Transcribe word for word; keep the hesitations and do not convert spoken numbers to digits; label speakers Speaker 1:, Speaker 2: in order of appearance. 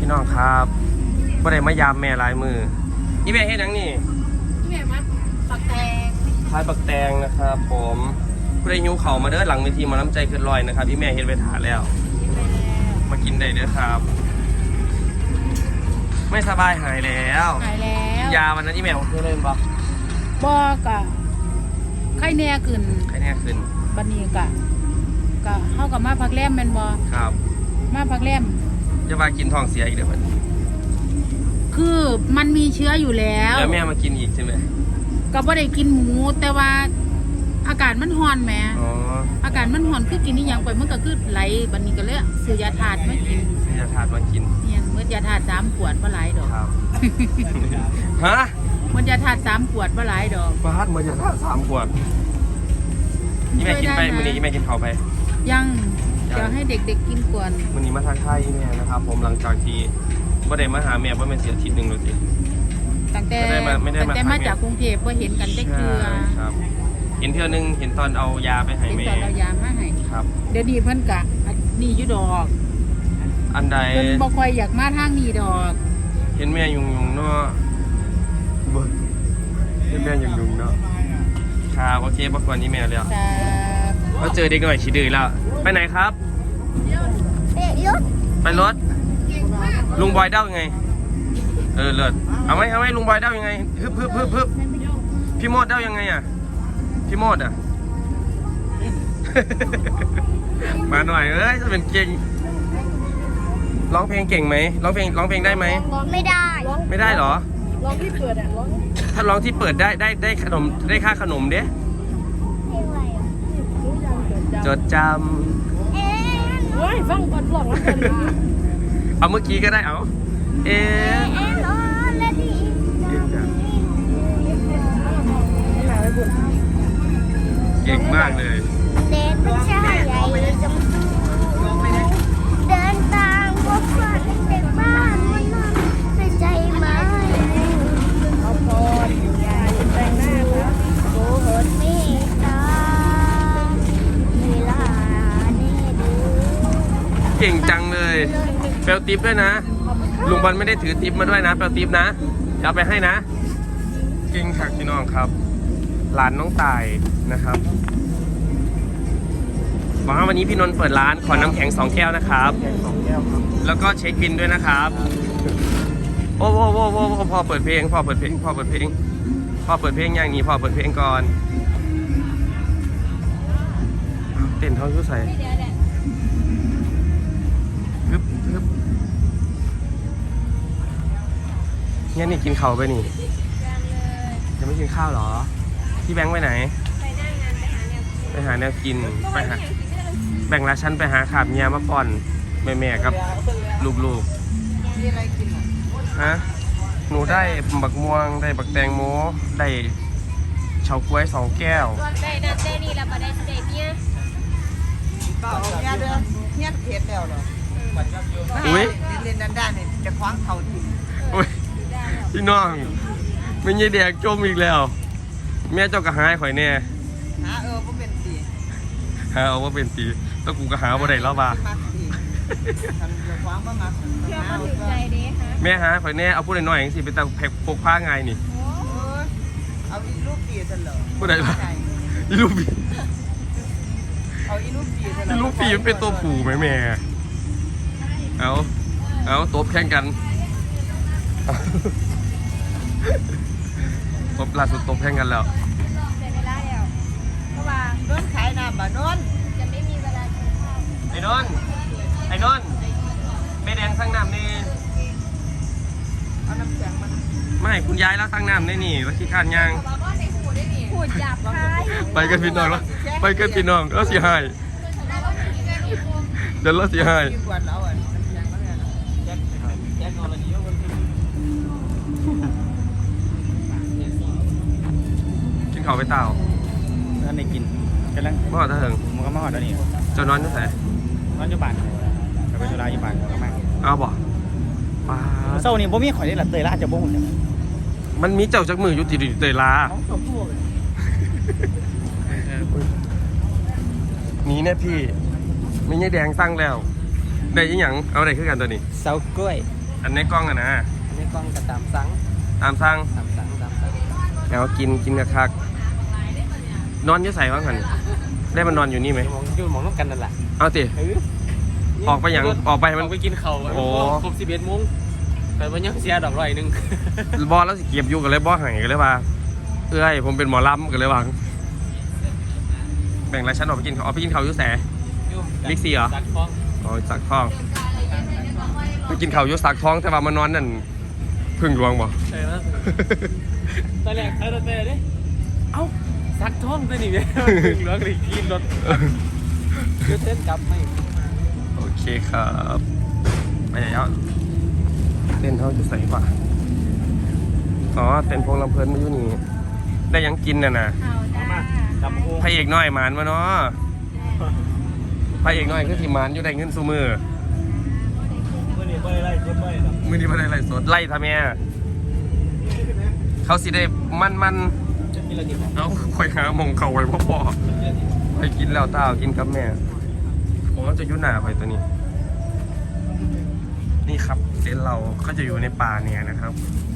Speaker 1: พี่น้องครับบ่ได้มายามแม่หลายมือนี่แม่เฮ็ดหยังนี่
Speaker 2: นี่แม่มัดปักแตง
Speaker 1: ขายปักแตงนะครับผมผู้ใดหิวเข่ามาเด้อหลังเวทีมาน้ำใจขึ้นลอยนะครับพี่แม่เฮ็ดไว้ถาแล้วมากินได้เด้อครับไม่สบายหายแล้ว
Speaker 2: หายแล้ว
Speaker 1: กินยาวันนั้นที่แม่ผมเคยเล่นปะ
Speaker 2: บอกะไข้แน่ขึ้น
Speaker 1: ไข้แน่ขึ้น
Speaker 2: บันนี้กะกะเข้ากับมาพักแรมแมนบอ
Speaker 1: ครับ
Speaker 2: มาพักแรม
Speaker 1: จะมากินท้องเสียอีกเดี๋ยวมัน
Speaker 2: คือมันมีเชื้ออยู่แล้ว
Speaker 1: แล้วแม่มากินอีกใช่ไหม
Speaker 2: ก็บ่ได้กินหมูแต่ว่าอากาศมันร้อนแหม
Speaker 1: อ๋อ
Speaker 2: อากาศมันร้อนคือกินนี่ยังไปมันก็คือไหลบันนี้ก็เลยซื้อยาถาดมากิน
Speaker 1: ซื้อยาถาดมากิน
Speaker 2: เนี่ยเมื่อยาถาดสามขวดบ่หลายดอก
Speaker 1: ครับฮะ
Speaker 2: เมื่อยาถาดสามขวดบ่หลายดอก
Speaker 1: ฟาดเมื่อยาถาดสามขวดนี่แม่กินไปมื้อนี้แม่กินข้าวไป
Speaker 2: ยังเดี๋ยวให้เด็กๆกินก่อน
Speaker 1: มื้อนี้มาทางค่ายแม่นะครับผมหลังจากที่บ่ได้มาหาแม่บ่แม่นเสียอาทิตย์นึงแล้วสิ
Speaker 2: ตั้งแต่ตั้งแต่มาจากกรุงเทพก็เห็นกันได้เกลือ
Speaker 1: ครับเห็นเทื่อนึงเห็นตอนเอายาไปให้แม่
Speaker 2: เห็นตอนเอายามาให้
Speaker 1: ครับ
Speaker 2: เดี๋ยวนี้เพิ่นกะนี่อยู่ดอก
Speaker 1: อันใด
Speaker 2: เพิ่นบ่ค่อยอยากมาทางนี้ดอก
Speaker 1: เห็นแม่ยุงยุงเนาะบ่เห็นแม่ยุงยุงเนาะครับโอเคบ่กวนนี้แม่แล้วเราเจอเด็กหน่อยขี้ดื้อแล้วไปไหนครับไปรถลุงบอยเด้ายังไงเออเลิศเอาไหมเอาไหมลุงบอยเด้ายังไงฮึบฮึบฮึบฮึบพี่โมดเด้ายังไงอ่ะพี่โมดอ่ะ มาหน่อยเอ้ยจะเป็นเก่งร้องเพลงเก่งไหมร้องเพลงร้องเพลงได้ไหม
Speaker 3: ไม่ได้
Speaker 1: ไม่ได้เหรอ
Speaker 2: ร้องที่เปิดอ่ะร้อง
Speaker 1: ถ้าร้องที่เปิดได้ได้ได้ขนมได้ค่าขนมเด้จดจำ
Speaker 3: เอ๊ะ
Speaker 2: เฮ้ยฟังก่อนร้องแล้วกัน
Speaker 1: เอาเมื่อกี้ก็ได้เอาเอ๊ะเก่งมากเลย
Speaker 3: เดินไปชายใหญ่จมเดินตามพวกฝันเด็กบ้านมันนอนในใจไหมเอาพออยู่ยาอยู่แต่งหน้าแล้วโอ้โหไม่ตาเวลานี่ดู
Speaker 1: เก่งจังเลยเปลวติ๊บด้วยนะลุงบอลไม่ได้ถือติ๊บมาด้วยนะเปลวติ๊บนะเอาไปให้นะเก่งค่ะพี่น้องครับร้านน้องตายนะครับบอกว่าวันนี้พี่นนท์เปิดร้านขอน้ำแข็งสองแก้วนะครับสองแก้วครับแล้วก็เช็คบินด้วยนะครับโอ้โหโอ้โหโอ้พอเปิดเพลงพอเปิดเพลงพอเปิดเพลงพอเปิดเพลงอย่างนี้พอเปิดเพลงก่อนเต้นเท่าชุดใส่ฮึบฮึบเนี่ยนี่กินข้าวไปนี่ยังไม่กินข้าวหรอพี่แบงค์ไปไหนไปหาแนวกินไปหาแบ่งละชั้นไปหาขาบเมียมาก่อนแม่ๆกับลูกๆฮะหนูได้บักม่วงได้บักแตงโมได้เฉาก๊วยสองแก้ว
Speaker 3: ได้ได้ได้นี่แล้วมาได้เด็ดเนี่ย
Speaker 4: ก็เอาเนี่ยเด้อเนี่ยเผ็ดแล้วเหรอ
Speaker 1: อุ้ย
Speaker 4: เล่นด้านๆเนี่ยจะคว้างเขาทิ้ง
Speaker 1: อุ้ยพี่น้องไม่ใช่แดกจมอีกแล้วแม่เจ้าก็หายข่อยแน่
Speaker 4: หาเออว่าเป็นสี
Speaker 1: หาเอาว่าเป็นสีแล้วกูก็หาว่าได้แล้วบ้าแม่หาข่อยแน่เอาพูดหน่อยๆอย่างสิเป็นตาแพ็คปกผ้าไงนี่
Speaker 4: เอาอีลูกปีฉันเหรอ
Speaker 1: พูดได้ปะอีลูกปี
Speaker 4: เอาอีลูกปีฉัน
Speaker 1: อีลูกปีมันเป็นตัวผูไหมแม่เอาเอาตบแข่งกันตบล่าสุดตบแข่งกันแล้ว
Speaker 4: นนขายน้ำบ่นน
Speaker 3: จะไม่มีเวลากินข้าว
Speaker 1: ไอ้นนไอ้นนไม่แดงสั่งน้ำนี่
Speaker 4: เอาน้ำแข็งมา
Speaker 1: ไม่คุณยายแล้วสั่งน้ำได้นี่แล้วขี้ข้านย่าง
Speaker 3: พูดจับคาย
Speaker 1: ไปกันพี่น้องแล้วไปกันพี่น้องแล้วสิหายเดี๋ยวแล้วสิหายกินข้าวไปเต่า
Speaker 5: ท่านได้กินกำลัง
Speaker 1: มาหอดถึง
Speaker 5: มันก็มาหอดแล้วนี่
Speaker 1: จะนอนที่ไหน
Speaker 5: นอนอยู่บ้านกับไปจุฬาอยู่บ้านก็มา
Speaker 1: เอาบ่ป้า
Speaker 5: เศร้านี่บ่มีข่อยได้ละเตยละจะบ่หุ่นจัง
Speaker 1: มันมีเจ้าจักมืออยู่ติดเตยลานี้เนี่ยพี่ไม่ใช่แดงตั้งแล้วได้ยังหยังเอาอะไรขึ้นกันตัวนี้
Speaker 5: เสากล้วย
Speaker 1: ออันในกล้องอะนะ
Speaker 5: อันนี้กล้องกระตามซัง
Speaker 1: ตามสั่ง
Speaker 5: ตามซังตามซัง
Speaker 1: แล้วกินกินกระคักนอนอยี่ใส่บ้างกันได้มันนอนอยู่นี่ไหม
Speaker 5: มองอยู่มองน้ำกันนั่นแหละ
Speaker 1: เอาติ
Speaker 5: เออ
Speaker 1: ออกไปอย่างออกไปมัน
Speaker 5: ออกไปกินข้าว
Speaker 1: โอ้
Speaker 5: ครบสิบเอ็ดโมงแต่วันยังเสียดอกร้อยหนึ่ง
Speaker 1: บอแล้วสิเก็บอยู่กันเลยบอหายกันเลยว่าเอ้ยผมเป็นหมอลำกันเลยว่าแบ่งรายชั้นออกไปกินข้าวออกไปกินข้าวอยุ่แส บิ๊กซีเหรอ
Speaker 5: จัดฟ้อง
Speaker 1: อ๋อสักทองไปกินข้าวอยุ่สักทองแต่ว่ามานอนนั่นพึ่งหลวงบ่
Speaker 5: ใช่ไหมตอนแรกเออตอนแรกเนี่ยเอ้าซักท้องตัวนี้เนี่ยถึงเหลือกี่กินรถยืดเส้นกลับไม่
Speaker 1: โอเคครับไปแล้วเต้นเขาจะใส่ป่ะอ๋อเต้นพงลำเพลินมาอยู่นี่ได้ยังกินน่ะนะ
Speaker 2: เอาจ้า
Speaker 5: จับโอ้
Speaker 1: พระเอกน้อยหมานมาเนาะพระเอกน้อยคือที่หมานอยู่ได้เงินซูมือ
Speaker 5: เมื่อนี้ไม่ได้ไล่รถไม่หรอก
Speaker 1: มือนี้ไม่ได้ไล่สดไล่ทำแม่เขาสิได้มันมัน
Speaker 5: จะกินอะไรกิน
Speaker 1: ๆเอาคอยหาหมองเขาไว้พ่อพ่อไปกินแล้วต้ากินกับแม่ผมก็จะยุ่หนาไปตัวนี้ นี่ครับเต็นท์เราก็จะอยู่ในป่าเนี่ยนะครับ